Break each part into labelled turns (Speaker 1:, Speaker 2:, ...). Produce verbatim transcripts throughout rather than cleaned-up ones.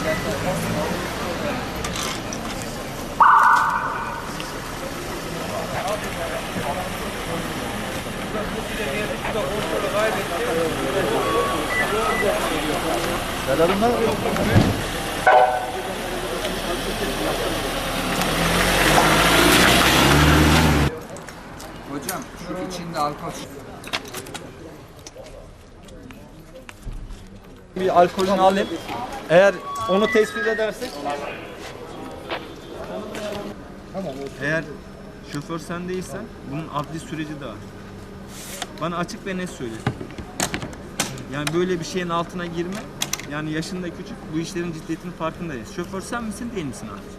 Speaker 1: Selamlar.
Speaker 2: Hocam şu içinde alkol.
Speaker 1: Bir alkolünü alayım. Eğer onu tespit edersek.
Speaker 3: Tamam.
Speaker 4: Eğer şoför sen değilsen bunun adli süreci de var. Bana açık ve net söyle. Yani böyle bir şeyin altına girme. Yani yaşında küçük, bu işlerin ciddiyetinin farkındayız. Şoför sen misin değil misin abi?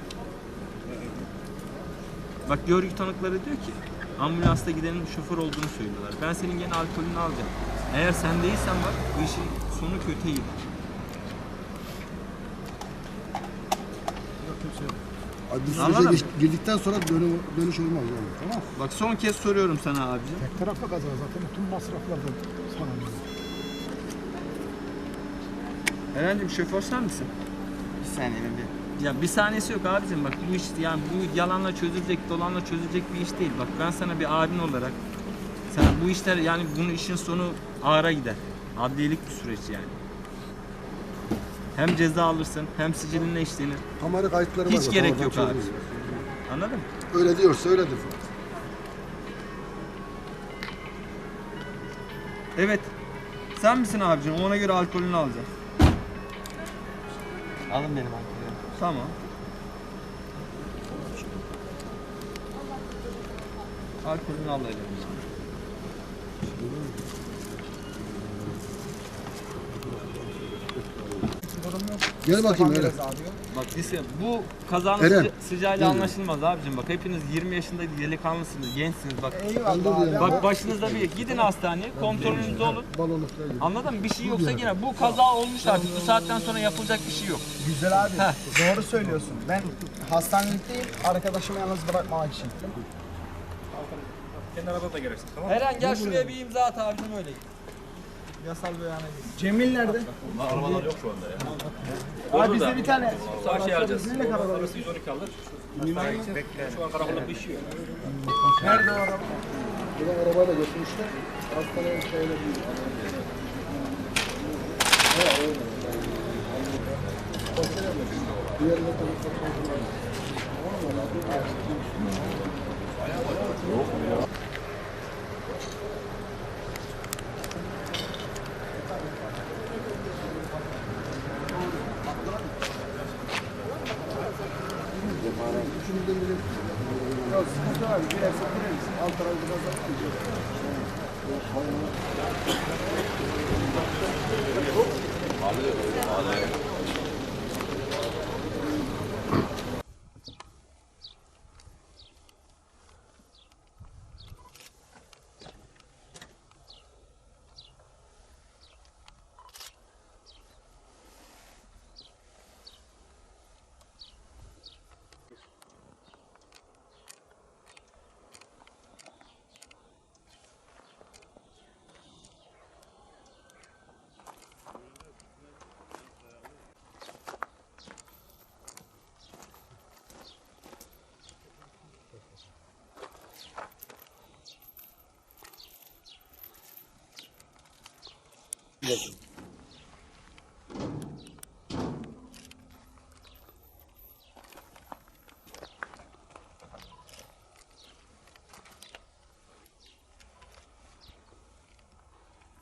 Speaker 4: Bak görgü tanıkları diyor ki ambulansta gidenin şoför olduğunu söylüyorlar. Ben senin gene alkolünü alacağım. Eğer sen değilsen bak bu işin sonu kötüye gider.
Speaker 3: Abi biz
Speaker 4: Anladın
Speaker 3: sürece
Speaker 4: mı?
Speaker 3: geç- girdikten sonra dönü, dönüş olmaz yani. Tamam.
Speaker 4: Bak son kez soruyorum sana abicim.
Speaker 5: Tek taraflı kaza zaten tüm masraflardan sana veriyor.
Speaker 4: Eren'cim şoför sen misin?
Speaker 2: Bir saniye ben bir.
Speaker 4: Ya bir saniyesi yok abicim, bak bu iş yani bu yalanla çözülecek, dolanla çözülecek bir iş değil. Bak ben sana bir abin olarak sana bu işler yani bunun işin sonu ağıra gider. Adliyelik bir süreç yani. Hem ceza alırsın hem sicilinle işlenir.
Speaker 3: Kamera kayıtları var.
Speaker 4: Hiç
Speaker 3: zaten,
Speaker 4: gerek
Speaker 3: oradan
Speaker 4: yok abi.
Speaker 3: çözülür.
Speaker 4: Anladın mı?
Speaker 3: Öyle diyorsa öyledir.
Speaker 4: Evet. Sen misin abicim? Ona göre alkolünü alacağım.
Speaker 2: Alın benim alkolümü.
Speaker 4: Tamam. Alkolünü al elimizden.
Speaker 3: Gel bakayım öyle.
Speaker 4: Bak lise, bu kazanın
Speaker 3: Eren,
Speaker 4: sıca- sıcağıyla
Speaker 3: gel.
Speaker 4: anlaşılmaz abicim. Bak hepiniz yirmi yaşında delikanlısınız, gençsiniz. Bak
Speaker 5: Eyvallah abi.
Speaker 4: bak başınızda bir gidin hastaneye, kontrolünüzde olun.
Speaker 3: Balonu falan gibi.
Speaker 4: Anladın mı? Bir şey yoksa yine bu kaza olmuş artık. Bu saatten sonra yapılacak bir şey yok.
Speaker 5: Güzel abi. Doğru söylüyorsun. Ben hastanelikteyim. Arkadaşımı yalnız bırakmamak için.
Speaker 4: Eren gel şuraya bir imza at abicim, öyle git. Yasal beyana git.
Speaker 5: Cemil nerede?
Speaker 6: Arabalar yok şu anda ya.
Speaker 5: Abi bizde bir tane.
Speaker 6: Sağ şey alacağız.
Speaker 5: Neyle karar
Speaker 6: Orası yüz on iki alır. Şu an karakolda pişiyor.
Speaker 5: Nerede o araba?
Speaker 3: Buradan arabayla götürmüşler. Hastaneye şeyle değil. Diğerine tabii. Üçümüzden biri. Ya sıkıntı var. Girerse gireriz. Alt tarafı biraz daha. Bakın.